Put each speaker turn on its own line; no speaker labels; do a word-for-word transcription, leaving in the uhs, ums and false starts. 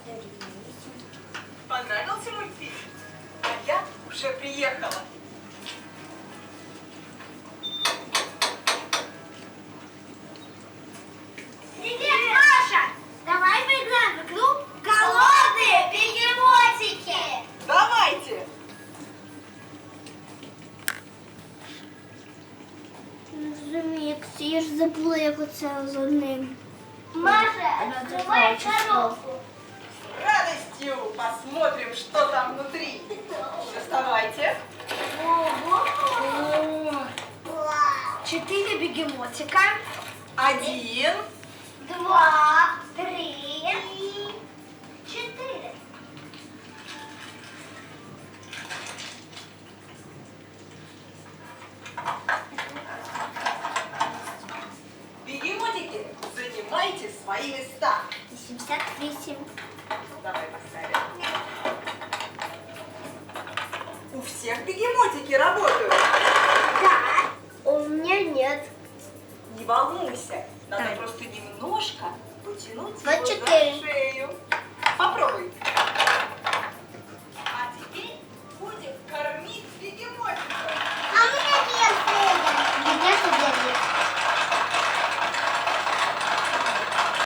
Понравился мультфильм? А я уже приехала.
Привет, Маша! Давай поиграем в игру «Голодные бегемотики».
Давайте!
Розуміється, я ж забула, як оце з одним.
Маша, открывай коробку.
С радостью посмотрим, что там внутри. Доставайте.
Ого!
О,
Четыре бегемотика.
один,
Два, три, четыре.
бегемотики, занимайте свои места.
вісімдесят вісім.
Давай поставим. У всех бегемотики работают.
Да.
У меня нет.
Не волнуйся, надо
Так.
просто немножко потянуть
двадцать
его
четыре.
за шею. Попробуй.